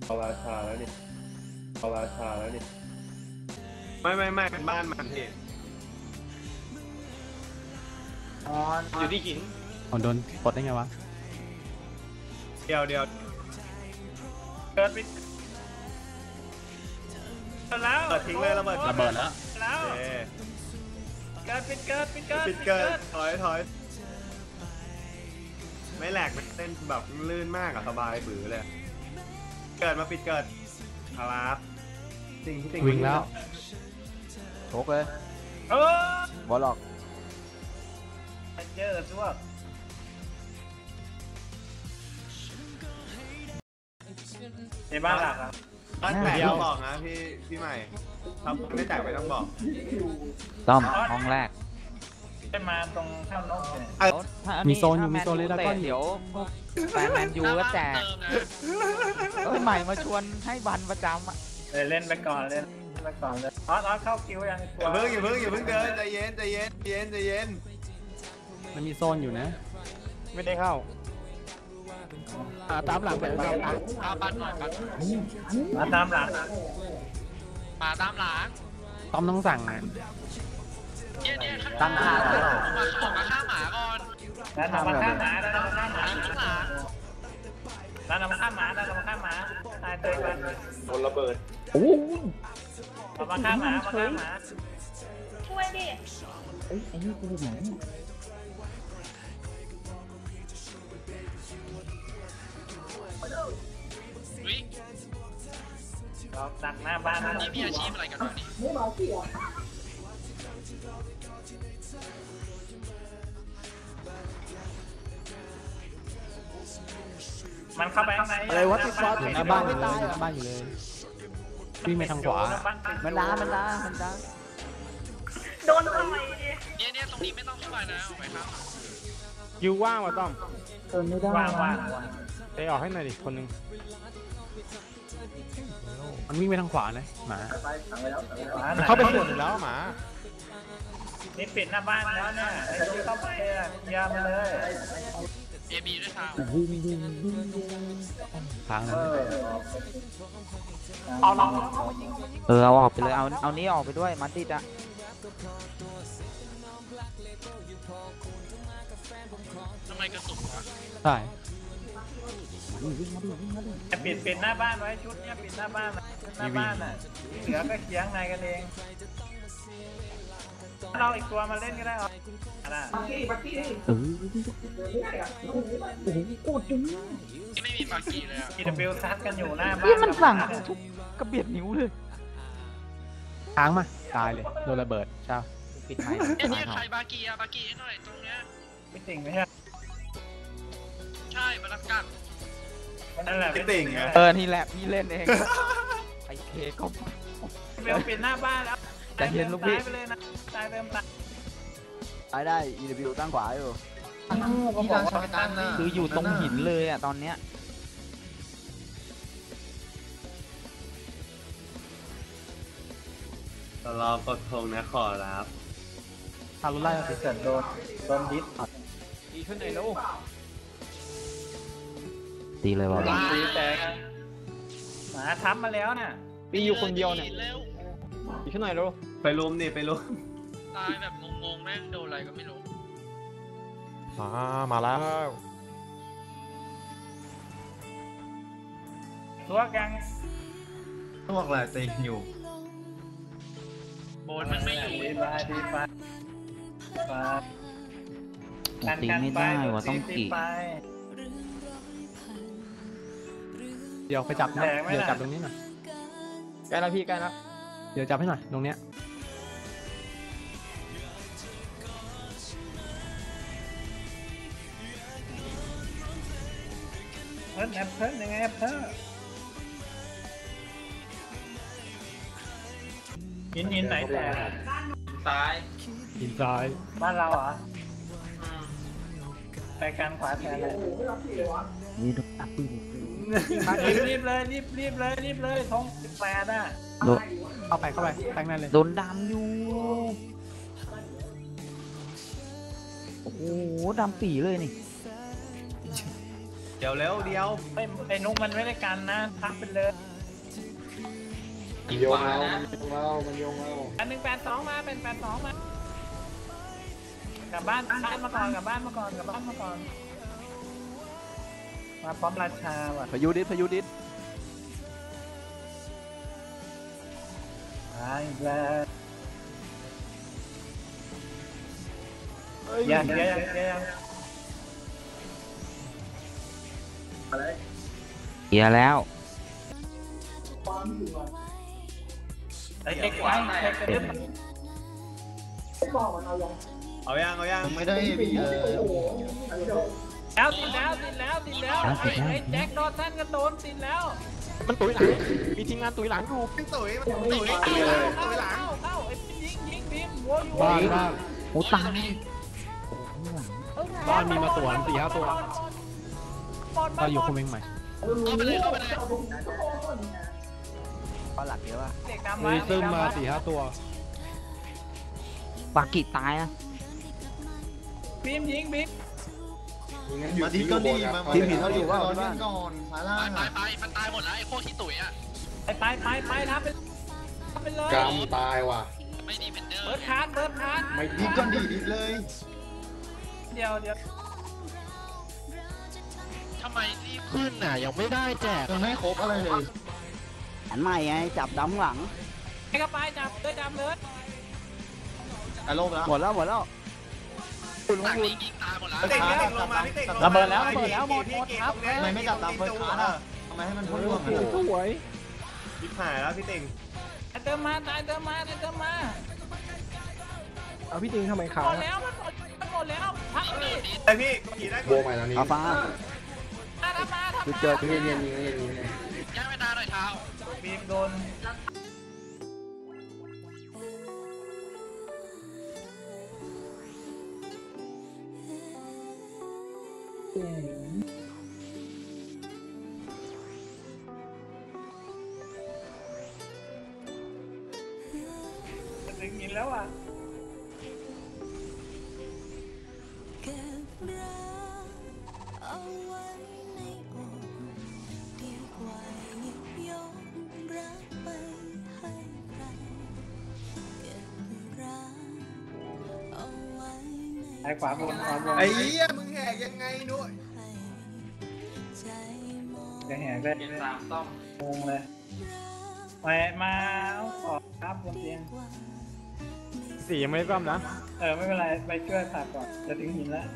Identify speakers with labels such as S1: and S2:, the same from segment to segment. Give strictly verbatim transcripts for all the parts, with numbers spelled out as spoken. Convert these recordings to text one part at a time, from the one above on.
S1: เอาราชาแล้วนี่เอาราชาแล้วนี่
S2: ไม่ไม่ไม่เป็นบ้านมันพี่อยู่ที่หิน
S3: อ๋อโดนปลดได้ไงวะ
S2: เดียวเดียว
S1: เกิดไปแล้ว
S2: เปิดทิ้งเลยระเบิด
S3: ระเบิดแล้ว
S1: แล้ว
S2: เอ๊ะ
S1: เกิดปิดเกิดปิดเกิด
S2: ปิดเกินถอยถอยไม่แหลกไม่เต้นแบบลื่นมากอะสบายบื้อเลยเกิดมาปิดเกิดครับจริงจริง
S3: วิ่งแล้ว
S4: โชกเลย
S1: เออบ
S4: อลหลอก
S1: เจอซวกในบ้านหลักอ่ะ
S2: บ้านแตกต้องบอกนะพี่พี่ใหม่ทำไม่แตกไม่ต้องบอก
S4: ต้อมห้องแรก
S1: ได้มาตรงข้ามนกเนี่ย
S3: มีโซนอยู่มีโซนเลยแล้วก็
S4: เดี๋ยวแฟนแมนยูก็แจกเอ้ยใหม่มาชวนให้บันประจำอ่ะ
S1: เลยเล่นไปก่อนเล่นไปก่อนเลยออสออสเข้าคิวยัง
S2: อย่าเพิ่งอย่าเพิ่งอย่าเพิ่งเดินใจเย็นใจเย็นใจเย็นใจเย็น
S3: มันมีโซนอยู่นะ
S1: ไม่ได้เข้า
S3: อ่าตามหลังไปตามหลัง
S5: เอาบัตรหน่อยบัตร
S1: มาตามหลัง
S5: มาตามหลัง
S3: ต้อมต้องสั่งนะ
S5: เนี่ยเนี่ยข้างห
S4: ตั้
S5: ลั
S4: ง
S5: ง
S4: ค่า
S5: ออกมาออกมาฆ่าหมาก่อน
S1: แล้วนำมาฆ่าหมาแล้วนำมาฆ่าหมา
S5: ข้างหลัง
S1: แล้วนำมาฆ่าหมาแล้วนำมาฆ่าหมาตายเตยมัน
S2: โดนระเบิด
S4: โอ้ย
S1: เอามาฆ่าหมามาฆ่าหมา
S6: ช่วยดิ
S4: เอ้ยไอ้นี่กูไหน
S5: วิ
S1: เราดักหน้าบ้าน
S5: นี่มีอาชีพอะไรกันวะนี่
S1: มันเข้าไปข้างใน
S4: อะไรวะติดซอส
S3: อยู่หน้าบ้านอยู่เลยหน้าบ้านอยู่เลยวิ่งไปทางขวา
S4: มันดามันดามันดา
S6: โดนต่อยดิ
S5: เนี่ยเนี่ยตรงนี้ไม่ต้องเข้าไปนะออกไปข้างหลัง
S3: ยูว่างว่ะต้อม
S4: เติมไม่ได้
S1: ว่างว่าง
S3: ไปออกให้หน่อยดิคนนึงมันวิ่งไปทางขวานะหมามันเข้าไปส่วนหนึ่งแล้วหมา
S1: นี่ปิดหน้าบ้านแล้วเนี่ยไอ้ที่เข้าไปอ่ะยามาเลย
S5: เอบีด้วยทาง
S4: วิ่งวิ่งวิ่งวิ่ง
S3: ทางนั้น
S1: เอาลอง
S4: เออเอาออกไปเลยเอาเอานี้ออกไปด้วยมันติดอ่ะ
S5: ทำไมกระตุกวะ
S3: ใช่
S1: ปิดปิดหน้าบ้านไว้ชุดเนี้ยปิดหน้าบ้านหน้าบ้านอ่ะที่เหลือก็เคียงในกันเองเราอีกตัวมาเล่นก็ได้หรอนะ
S4: เออ
S5: ที่ไม่มีปากีเลยอ่ะ
S1: ทีดับเบิลซัดกันอยู่หน้าบ้าน
S4: นี่มันสั่งทุกกระเบียดนิ้วเลย
S3: ค้างมาตายเลยโดนระเบิดใช่
S4: ปิดไม้
S5: เนี่ยเนี่ยใครบากีอะบากีให้หน่อยตรงเนี้ย
S1: ไม่ติ่งไม่ใช่
S5: ใช่มารับกัน
S1: นั่นแหละ
S2: ไม่ติ่งไง
S4: เออนี่แหละพี่เล่นเองไอเคก็
S1: เบลปิดหน้าบ้านแล้ว
S4: ใจเย็นลูกพี่
S1: ตายไปเลยนะตายเติมตาย
S4: ไอ้ได้ อี ดับเบิลยู ตั้งขวาอยู่
S5: ที่ร้านชอยตันน่ะ
S4: คืออยู่ตรงหินเลยอ่ะตอนเนี้ย
S2: รอกดธงนะขอรับ
S3: ทารุไล่สิ
S1: เกิดโดนโดนดิส
S3: ดีขึ้นไหนลูก
S4: ตีเลยว่ะ
S1: ตีแตกหมาทับมาแล้วน่ะ
S3: ปีอยู่คนเดียวเนี่ย
S5: เร็ว
S3: ดีขึ้นหน่อยลูก
S2: ไปรุมนี่ไปรุม
S5: ตายแบบงงๆแม่งโดนอะไรก็ไม่รู้
S3: มามาแล้ว
S1: ตัวกัง
S2: พวกอะไรติงอยู่
S5: โบนมันไม่อยู่
S1: ดีไปดีไปไป
S4: ตีไม่ได้ว่ะต้องกี่
S1: ไป
S3: เดี๋ยวไปจับนะเดี๋ยวจับตรงนี้หน่อยใกล้แล้วพี่ใกล้แล้วเดี๋ยวจับให้หน่อยตรงเนี้ย
S1: เพิ่นแอปเพิ่นยังไงแอปเพิ่นหินหินไหนแตก
S5: ตาย
S3: หินซ้าย
S1: บ้านเราเหรอไปการขวาแทนเลย
S4: นี่ดูอัพปืน
S1: รีบเลยรีบรีบเลยรีบเลยทงสิบแปดอ่ะ
S4: โดน
S3: เข้าไปเข้าไปแทงนั่นเลย
S4: โดนดำอยู่ โอ้โหดำปีเลยนี่
S2: เดี๋ยวเร็วเดียว
S1: ไอ้ไอ้นุ๊กมันไม่ได้กันนะทักไปเลย
S3: โยงเอาโยงเอามันโยงเอา
S1: อันหนึ่งแปดสองมาเป็นแปดสองมากลับบ้านบ้านมาก่อนกลับบ้านมาก่อนกลับบ้านมาก่อนมาพร้อมราชาว่ะ
S3: พายุดิษพายุดิษ
S1: ตายแล้วยังยังยังยัง
S4: เฮียแล้ว
S1: ไอ้เอ็กซ์ไว้เอ็กซ์เอ็กซ์
S2: เอายังเอายัง
S3: ไม่ได้บีเลย
S1: แล้วติดแล้วติดแล้วติดแล้วไอ้ไอ้แจ็คโดนท่านกระโดนติดแล้ว
S3: มันตุ๋ยหลังมีทีมงานตุ๋ยหลังอยู่
S2: พี่ตุ๋ยมันตุ๋ย
S1: เข้า
S2: ตุ๋ย
S1: เข้า
S2: ตุ๋ยหลัง
S1: เข้าเข้าไอ้ยิงยิงพิมหัวอยู่
S3: บ้านบ้าน
S4: โอ้ตาย
S3: บ้านมีมาสวนสี่ห้าตัวเราอยู่คุมเองใหม่
S5: เข้าไปเลยเข้าไปเลย
S4: ก็หลักเยอะว่ะ
S1: เด็กดำ
S3: มีซึมมาสี่ห้าตัว
S4: ปากิตายนะ
S1: พิมยิงพิม
S7: มาดีก็ดีมาทีมผิดเขาอยู่ว่าเราเล่นก่อนขาล่า
S5: ตายตายมันตายหมดแล้วไอ้พวกขี้ตุ๋ยอ่ะ
S1: ไปไปไปไปทำไปทำไปเลย
S3: กำตายว่ะ
S5: ไม่ดีเป็นเดิม
S1: เบิร์ดคาร์ดเบิร์ดคาร์ด
S3: ไม่
S7: ดีก็ดีดีเลย
S1: เดี๋ยวเดี๋ยว
S5: ทำไมรีบขึ้นน่ะยังไม่ได้แจก
S7: ยังไม่ครบอะไรเลย
S4: อันใหม่ไงจับดำหลัง
S1: ไปเข้าไปจับเลยจับเลย
S7: อารมณ์แล้ว
S4: หมดแล้วหมดแล้ว
S5: หลังนี้ยิงตายหมดแล้ว
S2: พี่ติ๋งพี่ติ๋งลงมาพี่ติ๋งลงมา
S1: ระเบิดแล้วระเบิดแล้วหมดหมดครับ
S7: ทำไมไม่จับตามเฟิร์สคลาสอ่ะทำไมให้มันพุ่งร่วงกัน
S3: สวย
S2: ชิบหายแล้วพี่ติ๋ง
S1: ตายเติมมาตายเติมมาตายเติมมา
S3: เอาพี่ติงทำไมขา
S1: หมดแล้วมันหมดมันหมดแล้วทักดิ
S2: ไอพี่ขี่ได้
S3: โบใหม่แล้วนี่
S4: เอาฟ้า
S1: ทำมาทำ
S4: จุด
S1: มา
S4: เจอที่
S3: เรียนนี้เรียนนี้
S5: ย่างเวลาหน่อยเท้า
S1: พิมโดน ถึงยินแล้วอ่ะ
S8: เก็บรักเอาไว้ในอกดีกว่าหยิบยกรักไปให้ใครเก็บรักเอาไว้ใน
S1: ไอ้ขวาบนขวาบน
S2: ไอ้เหี้ยมึงแหกยังไงด้วย
S8: ใจมอง
S1: จะแหกได้
S5: เย็นสามต้อม
S1: งงเลยมามาเอาขอครับบนเตียง
S3: สี่ยังไม่ได้ซ่อมนะ
S1: เออไม่เป็นไรไปช่วยตัดก่อนจะถึงหินแล้ว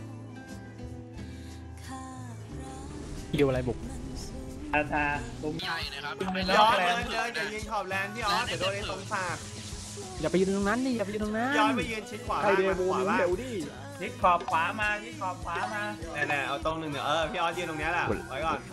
S3: คิวอะไรบุก
S1: อาชาตุ้ม
S5: ใหญ่นะครับ
S1: ไม่
S2: ย
S1: ได้
S2: อดเลยเดินอย่ายิงขอบแลนที่ออสเดี๋ยวโดนไอ้ตรงฝาก
S3: อย่าไปยืนตรงนั้นดิอย่าไปยืนตรงนั้น
S2: ย้อนไปยืนชิดขวา
S3: ใคร
S2: ล่าง
S3: เด
S2: มา
S3: บู
S2: ขวา
S3: มึง
S2: ล่าง
S3: เดี๋ยวดิ
S1: ยิงขอบขวามายิงขอบขวามา
S2: แน่ๆเอาตรงหนึ่งเดี๋ยวเออพี่ออสยืนตรงเนี้ยแหละไว้ก่อน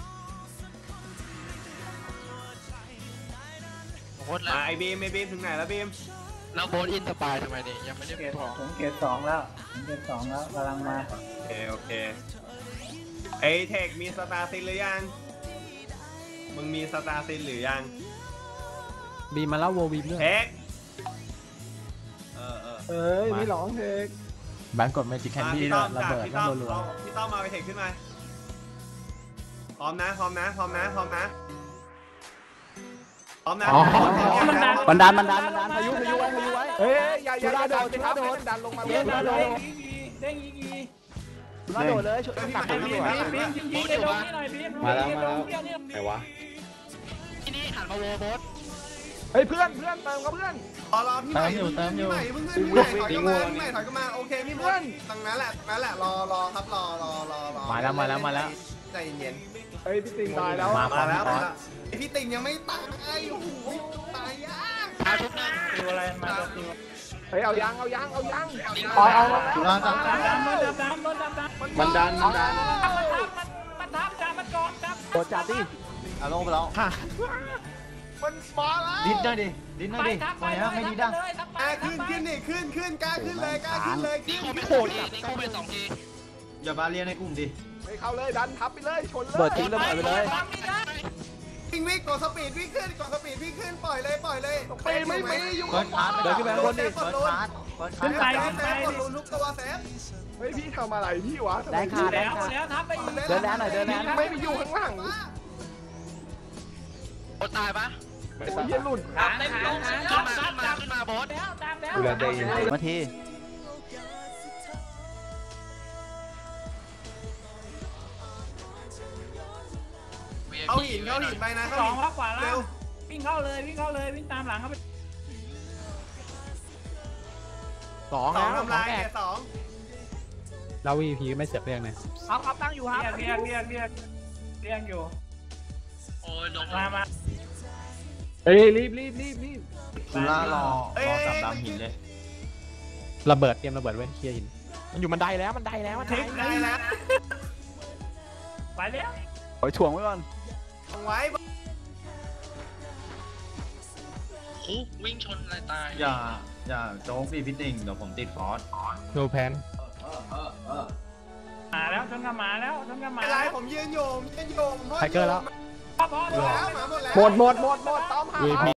S5: โคตรแล้ว
S2: มาไอ้บีมไอ้บีมถึงไหนแล้วบีม
S5: เราโบนอินสปายทำไมเนี่ยยังไม่ได้
S1: เกต
S5: บอก
S1: ถึงเกตสองแล้วถึงเกตสองแล้วกำลังมา
S2: โอเคโอเคไอ้เทคมีสตาร์ซินหรือยังมึงมีสตาร์ซินหรือยัง
S3: บีมาแล้วโวบีด้วย
S2: เทคเออเออ
S3: เอ้ยไม่ร้องเพลงแบงกดเมจิกแคนดี้
S2: พี่ต้อม
S3: ระ
S2: จับ
S3: เบิด
S2: พี่
S3: นั่
S2: ต้
S3: น
S2: อม
S3: รัว
S2: เอาพี่ต้อมมาไปเทคขึ้นมาพร้อมนะพร้อมนะพร้อมนะพร้อมนะพร้อมนะ
S4: บันดาลบันดาลบันดาลพายุพายุไว้พายุไว้
S3: เฮ้ยอย่าอย่าโดดอย่าโดดดันลงมา
S1: เด้ง
S3: เล่น
S1: เด้
S3: นะโด
S1: ง
S3: ด
S1: ยีกีเด้งยีกี
S3: มาโดดเลยช่วยตัก
S1: บี
S3: ไป
S1: ม
S3: ดี
S1: บี
S3: กว่าม
S1: บีมยิงในดงนี่หน่อยบีมมาแล้วมาแล้ว
S3: ไหนวะ
S5: ที่นี่หันมาโวโบส
S3: เฮ้ยเพื่อนเพื่อนเติมกับเพื่อน
S2: รอรอพี่ใหม่อยู่เติมอยู่พี่ใหม่เพิ่งขึ้นพี่ใหม่ถอยกันมาพี่ใหม่ถอยกันมาโอเคพี่เพื่อนตรงนั้นแหละตรงนั้นแหละรอรอครับรอรอรอรอ
S3: มาแล้วมาแล้วมาแล้ว
S2: ใจเย็น
S3: เฮ้ยพี่ติงตายแล้ว
S2: มามาแล้วมาแล้วไอพี่ติ่งยังไม่ตายโอ้โหตายยาก
S5: พาทุกนั่ง
S1: ดูอะไรมาตัวตัว
S3: เฮ้ยเอายังเอายังเอายัง
S7: เอาเอาจุฬาจับ
S1: ดำดำดำดำดำดำ
S3: มันดันมันดัน
S1: มันทับมันมันทับจับมันกอดจับ
S3: โดดจัดดิ
S7: อารมณ์ไปแล้ว
S2: มันมาแล้ว
S7: ดิ้นหน่อยดิดิ้นหน่อย
S1: ไป
S7: ดิ
S1: ทับไป
S7: วันนี้
S1: เลย
S7: ไม่ดี
S1: ทั
S7: ดั
S1: บ
S7: ง
S1: เลยทับไป
S2: อ่ะขึ้นขึ้นนี่ขึ้นขึ้นกล้าขึ้นเลยกล้าขึ้นเลย
S5: นี่
S2: ขึ้น
S5: โคไป
S2: ขึ้น
S5: โคทีนี่โคไปสองที
S7: อย่ามาเรียนในกลุ่มดิ
S3: ไปเข้าเลยดันทับไปเลยชนเลย
S4: เปิดทิ้งระเบิดไปเลย
S1: ทำไม่ได้
S2: วิ่งวิ่งกดสปีดวิ่งขึ้นกดสปีดวิ่งขึ้นปล่อยเลยปล่อยเลย
S7: ปีไม่มีอยู่
S3: เปิดคาร์ดเดินขึ้นไปข้างบนดิ
S2: กดลุ้น
S1: ขึ้นไปขึ้นไป
S2: กดลุ้นทุกตัวเซฟ
S7: เฮ้ยพี่ทำอะไรพี่วะ
S4: ได้ค่ะได้
S1: แล้ว
S4: ค่ะ
S1: แล้วทับไปอีก
S4: เดินแล้วหน่อยเดินแล้ว
S7: ไม่ไปอยู่ข้างหลัง
S5: โบทตายปะ
S7: โอ้ยเหี้ยหลุด
S1: หางหางหาง
S5: ขึ้นมาขึ้นมาขึ้นมาโบท
S1: แล้วตามแล้ว
S3: ดูแลใจเย็น
S4: มาที
S2: เอาหินเข้าหินไปนะ
S1: ส
S2: เข้า
S1: อง
S2: หิน
S1: พักขวาแล้
S2: เร็
S1: ว
S2: ว
S1: วิ่งเข้าเลยวิ่งเข้าเลยวิ่งตามหลังเข้าไป
S3: สอง
S2: สอง
S3: แล้ว
S2: ทำลายเนี่ยสอง
S3: เราวีพีไม่เสียบเรียกเลย
S1: เอาเอาตั้งอยู่ครับเรียกเรียกเรียกเรียกอยู่
S5: โอ้ยลง
S1: มามา
S3: เฮ้ยรีบรีบรีบรีบ
S7: สุรารอ
S2: เอ้ยจับดำหินเลย
S3: ระเบิดเตรียมระเบิดไว้เคลียร์หินมันอยู่บันไดแล้วบันไดแล้วบันได
S1: ทิ้ง
S2: ได้แล้ว
S1: ไปแล้ว
S4: โอ้ยถ่วงไว้ก่อน
S2: เอาไว้
S5: โอ้วิ่งชนอะไรตาย
S7: อย่าอย่าโจ๊กดิพี่ติ่งเดี๋ยวผมติดฟอส
S3: โนแพน
S1: มาแล้วชนกันมาแล้วชนกันมา
S2: อะไรผมยืนโยมยืนโยม
S3: ไทเกอร์แล้ว
S1: พอพอ
S2: หมดแล้วหมาหมดแล้ว
S3: หมดหมดหมดหมดต้อมหา วีพี